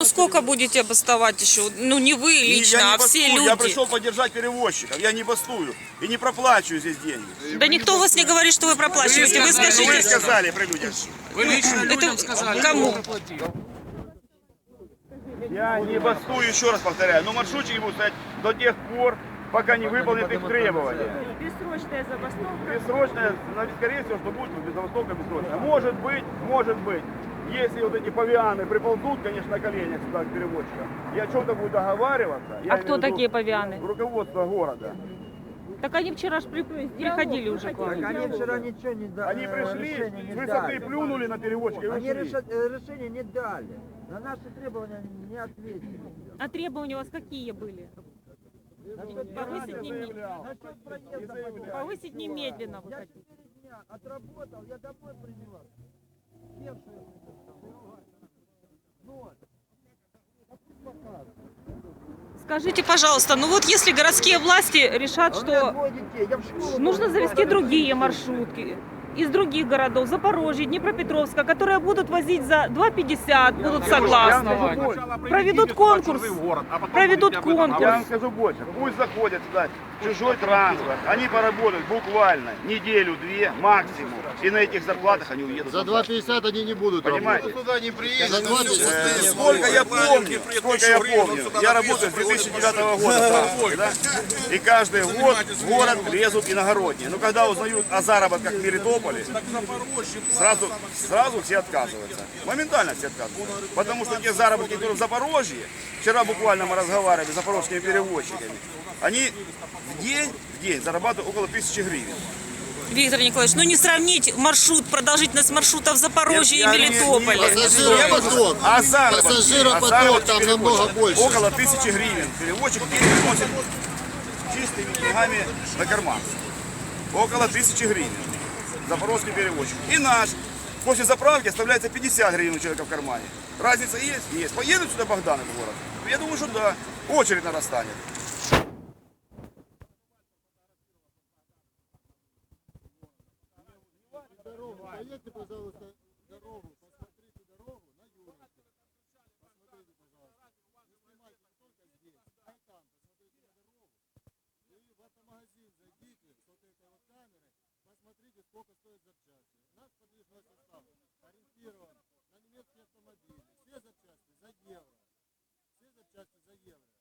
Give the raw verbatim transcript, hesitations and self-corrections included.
сколько будете бастовать еще? Ну, не вы лично, я не а все бастую, люди. Я пришел поддержать перевозчиков, я не бастую и не проплачиваю здесь деньги. Да никто вас не говорит, что вы проплачиваете. Вы Вы скажите, сказали при людях. Вы лично людям это сказали, кому? кто проплатил. Я не бастую, еще раз повторяю, но маршрутчики будут стоять до тех пор, пока не выполнят их требования. Бессрочная забастовка. Бессрочная, скорее всего, что будет без забастовка бессрочная. Может быть, может быть. Если вот эти павианы приползут, конечно, на коленях сюда к перевозчикам, я что-то буду договариваться. Я А кто имею в виду такие павианы? Руководство города. Так они вчера ж при- приходили уже к вам. Они вчера ничего не дали. Они пришли, решения не с высоты дали. плюнули на перевозчика и Они ушли. реша- э, решения не дали. На наши требования не ответили. А требования у вас какие были? Повысить, не, Насчет проезда потом. повысить немедленно вы Я хотите. четыре дня отработал, я домой приняла. Первшую ноль. Скажите, пожалуйста, ну вот если городские власти решат, А у меня что двое детей, я в школу нужно должен завести ходить. другие маршрутки из других городов, Запорожья, Днепропетровска, которые будут возить за два пятьдесят, будут согласны. Я вам скажу больше. Проведут конкурс, проведут Я вам конкурс. скажу больше. Пусть заходят сюда чужой транспорт. Они поработают буквально неделю-две максимум. И на этих зарплатах они уедут. За два пятьдесят они не будут Понимаете? работать. Туда не приедут. За два пятьдесят. Э, Сколько я помню, сколько я помню, я работаю с две тысячи девятого года в транспорте, да? И каждый год в город лезут иногородние. Но когда узнают о заработках в Мелитополе, сразу, сразу все отказываются. Моментально все отказываются. Потому что те заработки, которые в Запорожье, вчера буквально мы разговаривали с запорожскими перевозчиками, они в день, в день зарабатывают около тысячи гривен. Виктор Николаевич, ну не сравнить маршрут, продолжительность маршрута в Запорожье Я- и я не- Мелитополе. Пассажиропоток. А заработки, Пассажиропоток а заработки там перевозчика намного больше. около тысячи гривен. Перевозчик в день приносит чистыми деньгами на карман. Около тысячи гривен. Запорожский перевозчик. И наш. После заправки оставляется пятьдесят гривен у человека в кармане. Разница есть? Есть. Поедут сюда Богданы в город? Я думаю, что да. Очередь нарастанет. Поедьте, пожалуйста, дорогу, посмотрите дорогу на Юрочку. Посмотрите, пожалуйста. Не снимайте не только здесь, а и там. Посмотрите на дорогу. И в автомагазин зайдите с вот этой вот камерой, посмотрите, сколько стоит запчасти. Наш подвижной состав ориентирован на немецкие автомобили. Все запчасти за евро. Все запчасти за евро.